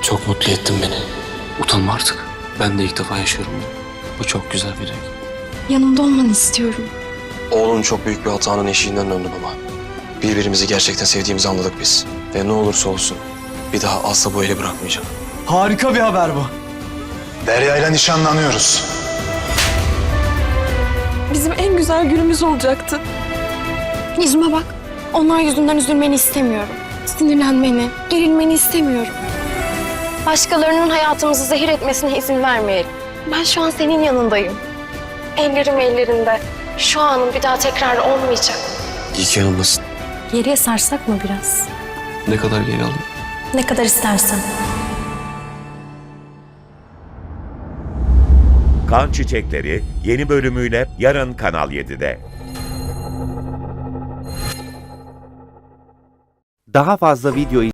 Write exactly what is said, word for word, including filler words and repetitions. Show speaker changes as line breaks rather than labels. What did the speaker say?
Çok mutlu ettin beni. Utanma artık. Ben de ilk defa yaşıyorum bunu. Bu çok güzel bir renk.
Yanımda olmanı istiyorum.
Oğlun çok büyük bir hatanın eşiğinden döndü baba. Birbirimizi gerçekten sevdiğimizi anladık biz. Ve ne olursa olsun bir daha asla bu eli bırakmayacağım.
Harika bir haber bu.
Derya ile nişanlanıyoruz.
Bizim en güzel günümüz olacaktı. Yüzüme bak. Onlar yüzünden üzülmeni istemiyorum. Sinirlenmeni, gerilmeni istemiyorum. Başkalarının hayatımızı zehir etmesine izin vermeyelim. Ben şu an senin yanındayım. Ellerim ellerinde. Şu anın bir daha tekrar olmayacak.
İyi ki yanımdasın.
Geriye sarsak mı biraz?
Ne kadar geri aldım?
Ne kadar istersen.
Kan Çiçekleri yeni bölümüyle yarın Kanal yedide.
Daha fazla video